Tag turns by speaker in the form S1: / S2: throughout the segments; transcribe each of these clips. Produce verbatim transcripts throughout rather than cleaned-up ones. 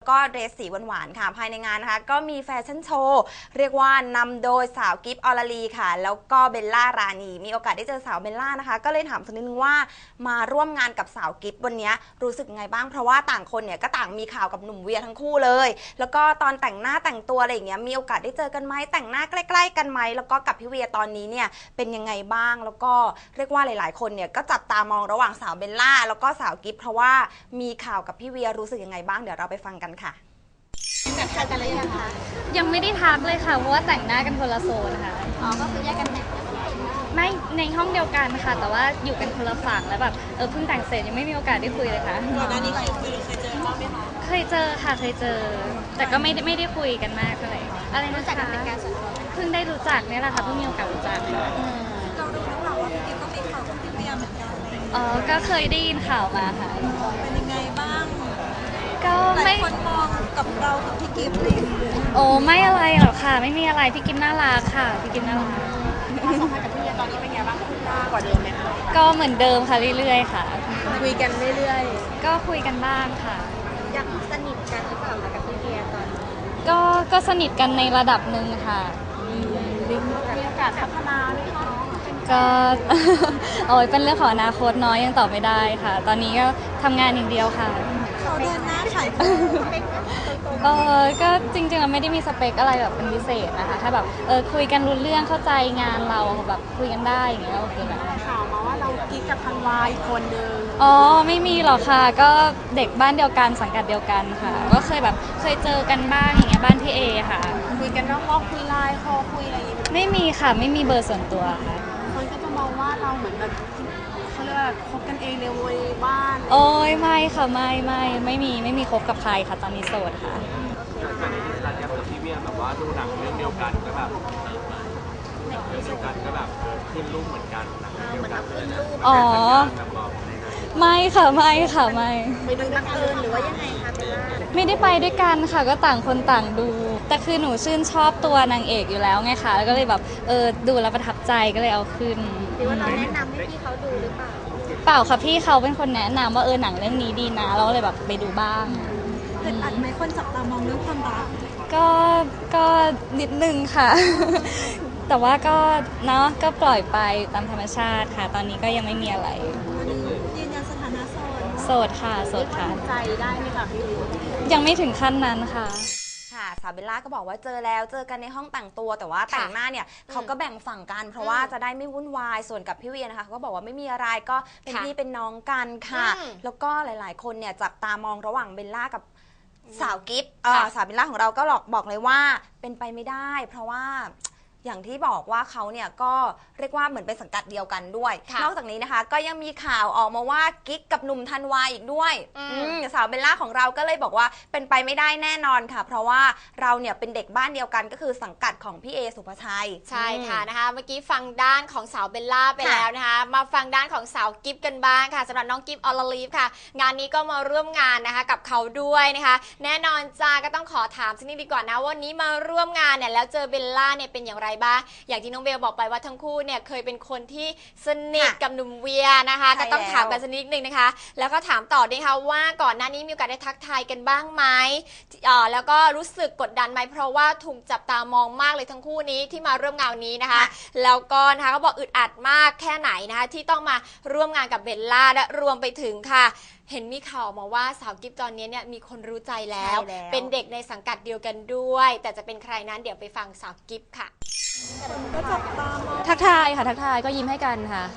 S1: ก็เดรสสีหวานๆค่ะภายในงานนะคะก็มีแฟชั่นโชว์เรียกว่านำโดยสาวกิฟต์ออลลีค่ะแล้วก็เบลล่ารานีมีโอกาสได้เจอสาวเบลล่านะคะก็เลยถามสักนิดนึงว่ามาร่วมงานกับสาวกิฟต์วันนี้รู้สึกไงบ้างเพราะว่าต่างคนเนี่ยก็ต่างมีข่าวกับหนุ่มเวียทั้งคู่เลยแล้วก็ตอนแต่งหน้าแต่งตัวอะไรอย่างเงี้ยมีโอกาสได้เจอกันไหมแต่งหน้าใกล้ๆกันไหมแล้วก็กับพี่เวียตอนนี้เนี่ยเป็นยังไงบ้างแล้วก็เรียกว่าหลายๆคนเนี่ยก็จับตามองระหว่างสาวเบลล่าแล้วก็สาวกิฟต์เพราะว่ามีข่าวกับพี่เวียรู้สึกยังไงบ้างเดี๋ยวเราไปฟังกันค่ะ
S2: แบบทักกันหรือยังคะ
S3: ยังไม่ได้ทักเลยค่ะเพราะว่าแต่งหน้ากันคนละโซนค่ะ
S2: อ๋อก็คือแยกกันแต่ง
S3: ไม่ในห้องเดียวกันค่ะแต่ว่าอยู่กันคนละฝั่งแล้วแบบเออเพิ่งแต่งเสร็จยังไม่มีโอกาสได้คุยเลยค่ะ
S2: ก่อนหน้านี้เคยคุยหรือเคยเจอบ้างไหมคะ
S3: เคยเจอค่ะเคยเจอแต่ก็ไม่ได้ไม่ได้คุยกันมากเท่าไหร่อะไรนะคะรู้จักกันเป็นการส่วนตัวเพิ่งได้รู้จักเนี่ยแหละค่ะเพิ่งมีโอกาสรู้จักค่ะ
S2: เราดูนักข่าวว่าพี่กิ๊ฟก็มีข่าวกับพี่เวียเหมือนกัน
S3: อ๋อก็เคยได้ยินข่าวมาค่ะ
S2: เป็นยังไงบ้าง
S3: ก็
S2: ไม่คนมองกับเรากับพี่กิ๊ฟเลย
S3: โอ้ไม่อะไรหรอกค่ะไม่มีอะไรพี่กิ๊ฟน่ารักค่ะพี่กิ๊ฟน่ารัก
S2: ความสัมพันธ์กับพี่เวียตอนนี้เป็นไงบ้างขึ้นหน้ากว่าเดิมไหมคะ
S3: ก็เหมือนเดิมค่ะเรื่อยๆค่ะ
S2: คุยกันเรื่อย
S3: ๆก็คุยกันบ้างค่ะ
S2: ยังสนิทกันหรือเปล่าคะกับพี่เวียตอนนี้
S3: ก็ก็สนิทกันในระดับหนึ่งค่ะ
S2: มีโอกาสพัฒนาไหมคะ
S3: ก็โอ้ยเป็นเรื่องของอนาคตน้อยยังตอบไม่ได้ค่ะตอนนี้ก็ทำงานอย่างเดียวค่ะ
S2: เขาเดินหน้าขาย
S3: เออก็จริงๆเราไม่ได้มีสเปคอะไรแบบเป็นพิเศษนะคะถ้าแบบเออคุยกันรู้เรื่องเข้าใจงานเราแบบคุยกันได้อย่างเงี้ยโอเคแบบ
S2: ข่าวมาว่าเรากิ๊กกับธันวาอีกคนนึง
S3: อ๋อไม่มีหรอกค่ะก็เด็กบ้านเดียวกันสังกัดเดียวกันค่ะก็เคยแบบเคยเจอกันบ้างอย่างเงี้ยบ้านพี่เอค่ะ
S2: คุยกันนอกรอบคุยไลน์คอคุยอะไรอย่างเงี้ย
S3: ไม่มีค่ะไม่มีเบอร์ส่วนตัวค่ะ
S2: คนก็จะมองว่าเราเหมือนแบบเขาเรียกว่าคบกันเองในวัยบ้าน
S3: โอ้ยไม่ค่ะไม่ไม่ไม่มีไม่มีคบกับใครค่ะตอนนี้โสดค่ะ
S4: ตอนนี้รันยับกับพี่เวียแบบว่าดูหนังเรื่องเดียวกันก็แบบหนังเรื่องเดียวกันก็แบบขึ้นรูปเหมือนกันหนังเดียวกันเลยนะ
S3: อ๋อไม่ค่ะไม่ค่ะไม่
S2: ไปดูนักเอิญหรือว่ายังไงคะเบลล่า
S3: ไม่ได้ไปด้วยกันค่ะก็ต่างคนต่างดูแต่คือหนูชื่นชอบตัวนางเอกอยู่แล้วไงคะแล้วก็เลยแบบเออดูแล้วประทับใจก็เลยเอาขึ้น
S2: หรือว่าเราแนะนำให้พี่เขาดูหรือเปล่า
S3: เปล่าค่ะพี่เขาเป็นคนแนะนำว่าเออหนังเรื่องนี้ดีนะเราเลยแบบไปดูบ้าง
S2: อึดอัดไหมคนจับตามองเรื่องความรัก
S3: ก็ก็นิดนึงค่ะแต่ว่าก็เนาะก็ปล่อยไปตามธรรมชาติค่ะตอนนี้ก็ยังไม่มีอะไร
S2: ยืนยันสถานะโสด
S3: โสดค่ะโสดค่ะ
S2: ใจได้ไหมคะพี่
S3: ยังไม่ถึงขั้นนั้นค่ะ
S1: ค่ะสาวเบลล่าก็บอกว่าเจอแล้วเจอกันในห้องแต่งตัวแต่ว่าแต่งหน้าเนี่ยเขาก็แบ่งฝั่งกันเพราะว่าจะได้ไม่วุ่นวายส่วนกับพี่เวียนะคะเขาก็บอกว่าไม่มีอะไรก็เป็นพี่เป็นน้องกันค่ะแล้วก็หลายๆคนเนี่ยจับตามองระหว่างเบลล่ากับสาวกิฟต์สาวเบลล่าของเราก็หลอกบอกเลยว่าเป็นไปไม่ได้เพราะว่าอย่างที่บอกว่าเขาเนี่ยก็เรียกว่าเหมือนเป็นสังกัดเดียวกันด้วยนอกจากนี้นะคะก็ยังมีข่าวออกมาว่ากิ๊กกับหนุ่มธันวาอีกด้วยสาวเบลล่าของเราก็เลยบอกว่าเป็นไปไม่ได้แน่นอนค่ะเพราะว่าเราเนี่ยเป็นเด็กบ้านเดียวกันก็คือสังกัดของพี่เอสุภชัย
S5: ใช่ค่ะนะคะเมื่อกี้ฟังด้านของสาวเบลล่าไปแล้วนะคะมาฟังด้านของสาวกิฟกันบ้างค่ะสำหรับน้องกิฟออลลีฟค่ะงานนี้ก็มาร่วมงานนะคะกับเขาด้วยนะคะแน่นอนจ้าก็ต้องขอถามสักนิดดีกว่านะวันนี้มาร่วมงานเนี่ยแล้วเจอเบลล่าเนี่ยเป็นอย่างไรบ้างอย่างที่น้องเบลบอกไปว่าทั้งคู่เนี่ยเคยเป็นคนที่สนิทกับหนุ่มเวียนะคะก็ต้องถามกันสักนิดนึงนะคะแล้วก็ถามต่อด้วยค่ะว่าก่อนหน้านี้มีโอกาสได้ทักทายกันบ้างไหมอ่าแล้วก็รู้สึกกดดันไหมเพราะว่าถูกจับตามองมากเลยทั้งคู่นี้ที่มาร่วมงานนี้นะคะแล้วก็นะคะเขาบอกอึดอัดมากแค่ไหนนะคะที่ต้องมาร่วมงานกับเบลล่าและรวมไปถึงค่ะเห็นมีข่าวมาว่าสาวกิฟตอนนี้เนี่ยมีคนรู้ใจแล้วเป็นเด็กในสังกัดเดียวกันด้วยแต่จะเป็นใครนั้นเดี๋ยวไปฟังสาวกิฟค่ะ
S3: ทักทายค่ะทักทายก็ยิ้มให้กันค่ะ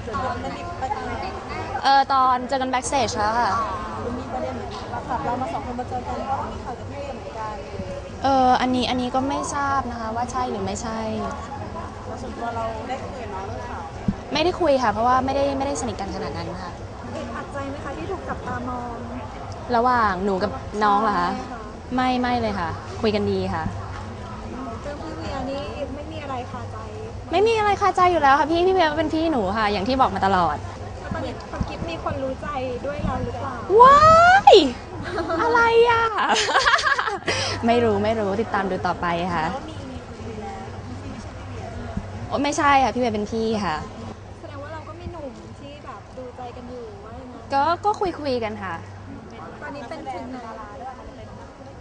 S3: เออตอนเจอกันแบ็กสเตจแล้วค่ะ
S2: มีประเด็นเหมือนกับเรามาสองคนมาเจอกันก็มีข่าวกับพี่เหมือนกัน
S3: เอออันนี้อันนี้ก็ไม่ทราบนะคะว่าใช่หรือไม่ใช่
S2: ส่วนตัวเราได้คุยกับน้องเรื่องข่าว
S3: ไม่ได้คุยค่ะเพราะว่าไม่ได้ไม่ได้สนิทกันขนาดนั้นค่ะ
S2: อัดใจไหมคะที่ถูกจับตามอง
S3: ระหว่างหนูกับน้องเหรอคะไม่ไม่เลยค่ะคุยกันดีค่ะ
S2: เจอพี่เวียนี่ไม่มีอะไรคาใจ
S3: ไม่มีอะไรคาใจอยู่แล้วค่ะพี่พี่เวียเป็นพี่หนูค่ะอย่างที่บอกมาตลอด
S2: ตอนนี้คนกิ๊บมีคนรู้ใจด้วยเราหรือเปล่า
S3: ว้ายอะไรอ่ะไม่รู้ไม่รู้ติดตามดูต่อไปค่ะไม่ใช่ค่ะพี่เวียเป็นพี่ค่ะ
S2: แสดงว่าเราก็มีหนุ่มที่แบบดูใจกันอยู่ว่า
S3: ก็ก็คุยคุยกันค่ะ
S2: ตอนนี้เป็นถึงไหน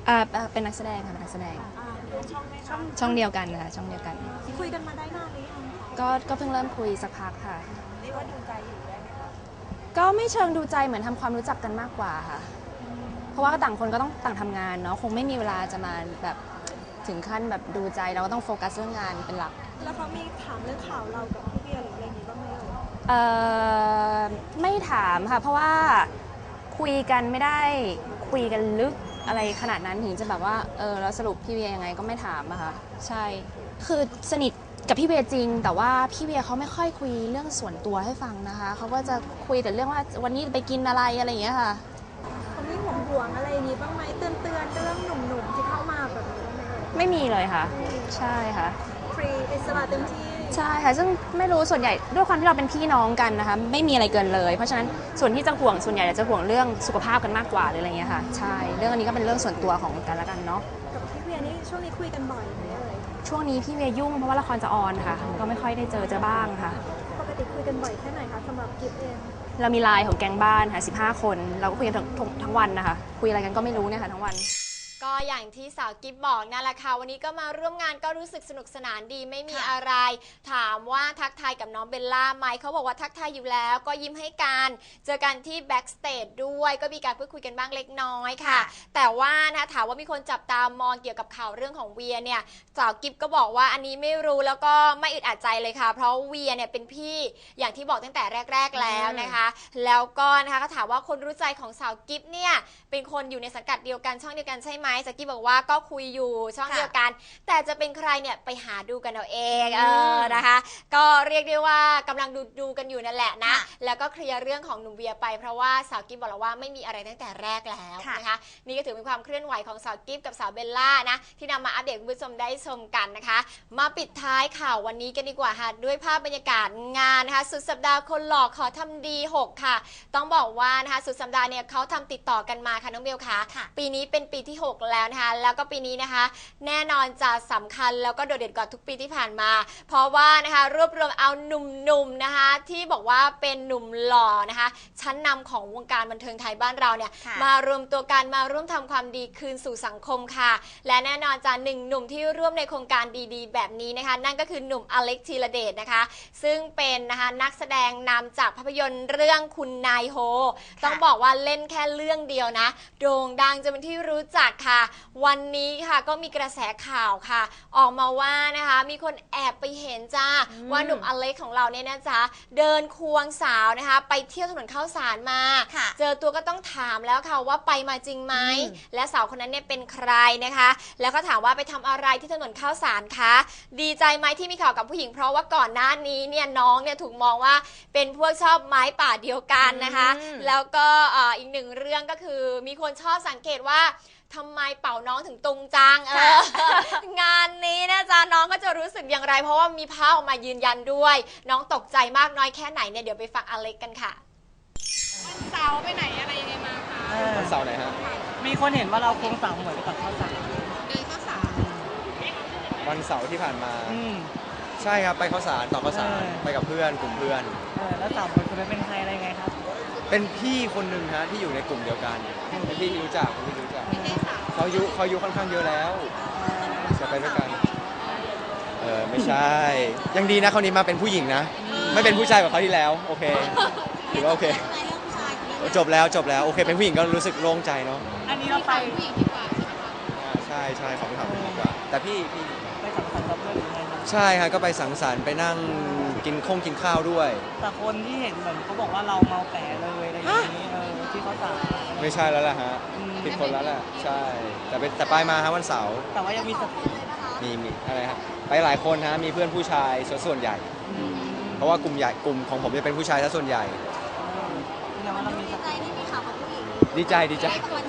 S6: อ่าอ่าเป็นนักแสดงค่ะเป็นนักแสดง
S2: อ่าช่องไหมคะ
S6: ช่องเดียวกันค่ะช่องเดียวกัน
S2: คุยกันมาได้นานหรือยังคะ
S6: ก็ก็เพิ่งเริ่มคุยสักพักค่ะ
S2: เรียกว่าดูใจอยู่ได้ไหมคะ
S6: ก็ไม่เชิงดูใจเหมือนทำความรู้จักกันมากกว่าค่ะ เพราะว่าต่างคนก็ต้องต่างทำงานเนาะคงไม่มีเวลาจะมาแบบถึงขั้นแบบดูใจเราก็ต้องโฟกัสเรื่องงานเป็นหลัก
S2: แล้วเขามีถามเรื่องข่าวเรากับพี่เบียร์หรืออะไรอย่างนี้บ้างไหมเอ่ย
S6: เอ่อไม่ถามค่ะ เพราะว่าคุยกันไม่ได้คุยกันลึกอะไรขนาดนั้นถึงจะแบบว่าเออแล้วสรุปพี่เวียยังไงก็ไม่ถามอะค่ะใช่คือสนิทกับพี่เวียจริง แต่ว่าพี่เวียเขาไม่ค่อยคุยเรื่องส่วนตัวให้ฟังนะคะเขาก็จะคุยแต่เรื่องว่าวันนี้ไปกินอะไรอะไรอย่างเงี้ยค่ะ
S2: เขามีห่วงห่วงๆอะไรอย่างนี้บ้างไหมเตือนเตือนๆเรื่องหนุ่มๆที่เข้ามาแบบนี้บ้างไหมเอ่ย
S6: ไม่มีเลยค่ะ ใช่ค่ะ
S2: ฟรีอิสระเต็มที่
S6: ใช่ค่ะซึ่งไม่รู้ส่วนใหญ่ด้วยความที่เราเป็นพี่น้องกันนะคะไม่มีอะไรเกินเลย เพราะฉะนั้นส่วนที่จะห่วงส่วนใหญ่จะห่วงเรื่องสุขภาพกันมากกว่าหรืออะไรเงี้ยค่ะใช่เรื่องอันนี้ก็เป็นเรื่องส่วนตัวของกันและกันเนาะ
S2: กับพี่เบียร์นี่ช่วงนี้คุยกันบ่อยไหมเอ่ย
S6: ช่วงนี้พี่เวียยุ่งเพราะว่าละครจะออนค่ะก็ไม่ค่อยได้เจอเจอบ้างค่ะ
S2: ปกติคุยกันบ่อยแค่ไหนคะสำหรับกิฟเอง
S6: เรามีไลน์ของแก๊งบ้านค่ะสิบห้าคนเราก็คุยกันทั้งทั้งทั้งวันนะคะคุยอะไรกันก็ไม่รู้เนี่ยค่ะทั้งวัน
S5: ก็อย่างที่สาวกิฟบอกนั่นแหละค่ะวันนี้ก็มาร่วมงานก็รู้สึกสนุกสนานดีไม่มีอะไร ถามว่าทักทายกับน้องเบลล่าไหมเขาบอกว่าทักทายอยู่แล้วก็ยิ้มให้กันเจอกันที่แบ็กสเตจด้วยก็มีการพูดคุยกันบ้างเล็กน้อยค่ะ แต่ว่านะถามว่ามีคนจับตามองเกี่ยวกับข่าวเรื่องของเวียเนี่ยสาวกิฟก็บอกว่าอันนี้ไม่รู้แล้วก็ไม่อึดอัดใจเลยค่ะเพราะเวียเนี่ยเป็นพี่อย่างที่บอกตั้งแต่แรก ๆแล้วนะคะ แล้วก็นะคะก็ถามว่าคนรู้ใจของสาวกิฟเนี่ยเป็นคนอยู่ในสังกัดเดียวกันช่องเดียวกันใช่ไหมสาวกิฟบอกว่าก็คุยอยู่ช่องเดียวกัน แต่จะเป็นใครเนี่ยไปหาดูกันเอาเองเออนะคะ ก็เรียกได้ว่ากำลังดูดูกันอยู่นั่นแหละนะแล้วก็เคลียร์เรื่องของหนุ่มเวียไปเพราะว่าสาวกิฟบอกแล้วว่าไม่มีอะไรตั้งแต่แรกแล้วนะคะนี่ก็ถือเป็นความเคลื่อนไหวของสาวกิฟกับสาวเบลล่านะที่นำมาอัปเดตคุณผู้ชมได้ชมกันนะคะ มาปิดท้ายข่าววันนี้กันดีกว่าค่ะด้วยภาพบรรยากาศงานนะคะสุดสัปดาห์คนหล่อขอทำดีหกค่ะต้องบอกว่านะคะสุดสัปดาห์เนี่ยเขาทำติดต่อกันมาค่ะน้องเบลค่ะปีนี้เป็นปีที่หกแล้วนะคะแล้วก็ปีนี้นะคะแน่นอนจะสำคัญแล้วก็โดดเด่นกว่าทุกปีที่ผ่านมาเพราะว่านะคะรวบรวมเอาหนุ่มๆนะคะที่บอกว่าเป็นหนุ่มหล่อนะคะชั้นนำของวงการบันเทิงไทยบ้านเราเนี่ยมารวมตัวกันมาร่วมทำความดีคืนสู่สังคมค่ะและแน่นอนจะหนึ่งหนุ่มที่ร่วมในโครงการดีๆแบบนี้นะคะนั่นก็คือหนุ่มอเล็กธีรเดชนะคะซึ่งเป็นนะคะนักแสดงนำจากภาพยนตร์เรื่องคุณนายโฮต้องบอกว่าเล่นแค่เรื่องเดียวนะโด่งดังจนเป็นที่รู้จักค่ะวันนี้ค่ะก็มีกระแสข่าวค่ะออกมาว่านะคะมีคนแอบไปเห็นจ้าว่าหนุ่มอเล็กของเราเนี่ยนะจ๊ะเดินควงสาวนะคะไปเที่ยวถนนข้าวสารมาเจอตัวก็ต้องถามแล้วค่ะว่าไปมาจริงไหมและสาวคนนั้นเนี่ยเป็นใครนะคะแล้วก็ถามว่าไปทำอะไรที่ถนนข้าวสารคะดีใจไหมที่มีข่าวกับผู้หญิงเพราะว่าก่อนหน้านี้เนี่ยน้องเนี่ยถูกมองว่าเป็นพวกชอบไม้ป่าเดียวกันนะคะแล้วก็อีกหนึ่งเรื่องก็คือมีคนชอบสังเกตว่าทำไมเป่าน้องถึงตุงจังเอองานนี้นะจ๊ะน้องก็จะรู้สึกอย่างไรเพราะว่ามีภาพออกมายืนยันด้วยน้องตกใจมากน้อยแค่ไหนเนี่ยเดี๋ยวไปฟังอเล็กกันค่ะวันเสาร์ไปไหนอะไรยังไงมาคะ
S4: วันเสาร์ไหนฮะ
S7: มีคนเห็นว่าเราควงสาวเหมือนไปตัดข้าวสาร
S5: เดินข้าวสาร
S4: วันเสาร์ที่ผ่านมา
S7: อืม
S4: ใช่ครับไปข้าวสารต่อข้าวสารไปกับเพื่อนกลุ่มเพื่อน
S7: เออแล้วสาวคนนั้นเป็นใครอะไรไงครับ
S4: เป็นพี่คนหนึ่งฮะที่อยู่ในกลุ่มเดียวกันเป็นพี่ที่รู้จักเป็นพี่รู้จักเขาอายุเขาอายุค่อนข้างเยอะแล้วจะไปด้วยกันเออไม่ใช่ยังดีนะคราวนี้มาเป็นผู้หญิงนะไม่เป็นผู้ชายแบบเขาที่แล้วโอเคถือว่าโอเคจบแล้วจบแล้วโอเคเป็นผู้หญิงก็รู้สึกโล่งใจเนาะ
S7: อันนี้เราไป
S5: ผู้หญิงดีกว่า
S4: ใช่ใช่ขอไปถามผู้หญิงดีกว่าแต่พี่พี่
S7: ไปสังสรรค์กับเพื่อนหรือไงครับ
S4: ใช่ฮะก็ไปสังสรรค์ไปนั่งกินข้งกินข้าวด้วย
S7: แต่คนที่เห็นเหมือนเขาบอกว่าเราเมาแปะเลยอะไรอย่างนี้เออที่เขาสา
S4: ไม่ใช่แล้วแหละฮะผิดคนแล้วแหละใช่แต่เป็นแต่ไปมาฮะวันเสาร์
S7: แต่ว่ายังมี
S4: มีมีอะไรฮะไปหลายคนฮะมีเพื่อนผู้ชายส่วนใหญ่เพราะว่ากลุ่มใหญ่กลุ่มของผมจะเป็นผู้ชายซะส่วนใหญ่
S5: ดีใจที่มีข่าวกับผู้หญิง
S4: ดีใจดีใจ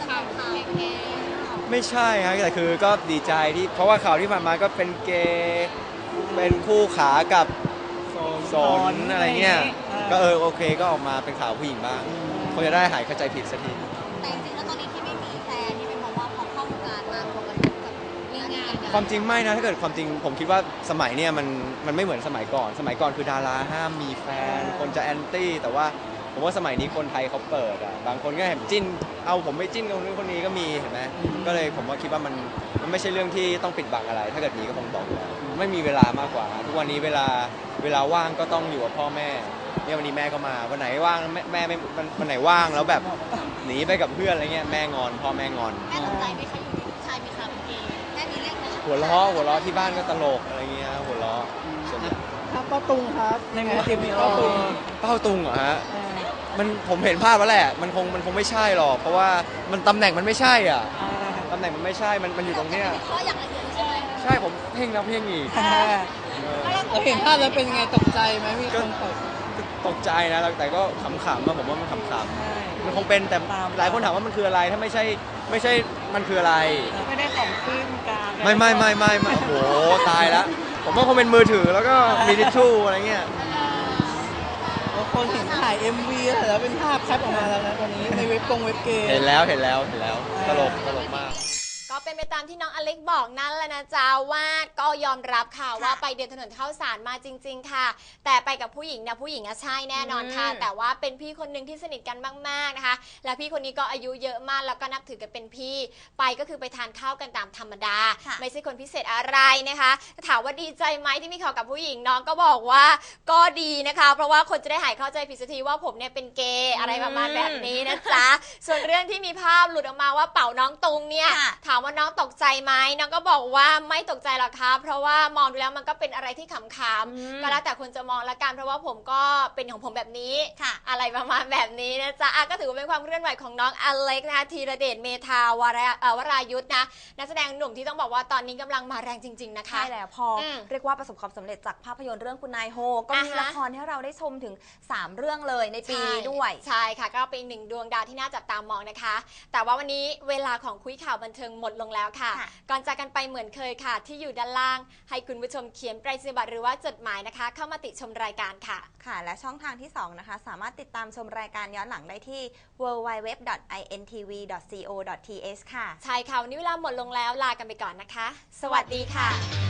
S4: ไม่ใช่ฮะแต่คือก็ดีใจที่เพราะว่าข่าวที่ผ่านมาก็เป็นเกย์เป็นคู่ขากับสนอะไรเงี้ยก็เออโอเคก็ออกมาเป็นข่าวผู้หญิงบ้างคงจะได้หายเข้าใจผิดสักที
S5: แต่จริงๆแล้วตอนนี้ที่ไม่มีแฟนนี่เป็นเพราะว่าพอเข้าวงการมาปกติกับเรื่องงาน
S4: ความจริงไม่นะถ้าเกิดความจริงผมคิดว่าสมัยเนี้ยมันมันไม่เหมือนสมัยก่อนสมัยก่อนคือดาราห้ามมีแฟนคนจะแอนตี้แต่ว่าผมว่าสมัยนี้คนไทยเขาเปิดอ่ะบางคนก็เห็นจิ้นเอาผมไม่จิ้นกับคนนู้นคนนี้ก็มีเห็นไหมก็เลยผมว่าคิดว่ามันมันไม่ใช่เรื่องที่ต้องปิดบังอะไร ถ้าเกิดมีก็คงบอกอยู่แล้วไม่มีเวลามากกว่าทุกวันนี้เวลาเวลาว่างก็ต้องอยู่กับพ่อแม่เนี่ยวันนี้แม่ก็มาวันไหนว่างแม่แม่ไม่วันวันไหนว่างแล้วแบบหนีไปกับเพื่อนอะไรเงี้ยแม่งอนพ่อแม่งอน
S5: แม่ตกใจไหมคะอยู่ดีลูกชายมีข่าวเป็นเกย์แม่มีเรื่องไหม
S4: หัวล้อหัวล้อที่บ้านก็ตลกอะไรเงี้ยหัวล้อส่วนใหญ่
S7: ครับป้าตุงครับในไงทีมนี้ป้าตุง
S4: เป้าตุงเหรอฮะ
S7: เออ
S4: มันผมเห็นภาพแล้วแหละมันคงมันคงไม่ใช่หรอกเพราะว่ามันตำแหน่งมันไม่ใช่อ่ะ
S7: อ่า
S4: ตำแหน่งมันไม่ใใช่มันมันอยู่ตรงเนี้ย
S5: เพราะอย่างละเอียดใช่ไหม
S4: ใช่ผมเพ่งแล้วเพ่งอีก
S7: อ่า
S4: เออ
S7: เราเห็นภาพแล้วเป็นไงตกใจไหมมีคนตก
S4: ตกใจนะแต่ก็ขำๆอะผมว่ามันขำ
S7: ใช่
S4: ๆมันคงเป็นแต่
S7: ตาม
S4: หลายคนถามว่ามันคืออะไรถ้าไม่ใช่ไม่ใช่มันคืออะไร
S7: ไม่ได้ของขึ้นกลาง
S4: ไม่ไม่ไม่ไม่ไม่โอ้โหตายแล้วผมว่าคงเป็นมือถือแล้วก็มีทิชชู่อะไรเงี้ย
S7: บางคนเห็นถ่าย เอ็ม วี แล้วเป็นภาพแคปออกมาแล้วนะตอนนี้ในเว็บกงเว็บเกม
S4: เห็นแล้วเห็นแล้วเห็นแล้วตลกตลกมาก
S5: ก็เป็นไปตามที่น้องอเล็กบอกนั่นแหละนะจ๊ะว่าก็ยอมรับค่ะว่าไปเดินถนนข้าวสารมาจริง ๆ ค่ะ แต่ไปกับผู้หญิงนะผู้หญิงอะใช่แน่นอนค่ะ
S1: อืม
S5: แต่ว่าเป็นพี่คนหนึ่งที่สนิทกันมากๆนะคะ และพี่คนนี้ก็อายุเยอะมากแล้วก็นับถือกันเป็นพี่ไปก็คือไปทานข้าวกันตามธรรมดา
S1: ค่ะ
S5: ไม่ใช่คนพิเศษอะไรนะคะถามว่าดีใจไหมที่มีข่าวกับผู้หญิงน้องก็บอกว่าก็ดีนะคะ เพราะว่าคนจะได้หายเข้าใจผิดสักทีว่าผมเนี่ยเป็นเกย์อะไรประมาณแบบนี้นะจ๊ะ ส่วนเรื่องที่มีภาพหลุดออกมาว่าเป่าน้องตุงเนี่ย
S1: ค่ะ
S5: ถามว่าน้องตกใจไหมน้องก็บอกว่าไม่ตกใจหรอกครับเพราะว่ามองดูแล้วมันก็เป็นอะไรที่ขำ
S1: อืม
S5: ๆก็แล้วแต่คนจะมองละกันเพราะว่าผมก็เป็นของผมแบบนี้
S1: ค่ะ
S5: อะไรประมาณแบบนี้นะจ๊ะอ่ะก็ถือว่าเป็นความเคลื่อนไหวของน้องอเล็กนะคะธีรเดชเมธาวราเอ่อวรายุทธนะนักแสดงหนุ่มที่ต้องบอกว่าตอนนี้กำลังมาแรงจริง ๆ นะคะ
S1: ใช่แล้วพออ
S5: ม
S1: เรียกว่าประสบความสำเร็จจากภาพยนตร์เรื่องคุณนายโฮก็มี
S5: อ่าฮะ
S1: ละครให้เราได้ชมถึงสามเรื่องเลยในปีนี้ด้วย
S5: ใช่ค่ะก็เป็นอีกหนึ่งดวงดาวที่น่าจับตามองนะคะ แต่ว่าวันนี้เวลาของคุยข่าวบันเทิงหมดลงแล้วค่ะ
S1: ค่ะ
S5: ก่อนจากกันไปเหมือนเคยค่ะ ที่อยู่ด้านล่างให้คุณผู้ชมเขียนไปรษณียบัตรหรือว่าจดหมายนะคะ เข้ามาติชมรายการค่ะ
S1: ค่ะ และช่องทางที่สองนะคะ สามารถติดตามชมรายการย้อนหลังได้ที่ ดับเบิลยู ดับเบิลยู ดับเบิลยู ดอท ไอ เอ็น ที วี ดอท ซี โอ ดอท ที เอช ค่ะ
S5: ใช่ค่ะวันนี้เวลาหมดลงแล้วลากันไปก่อนนะคะ สวัสดีค่ะ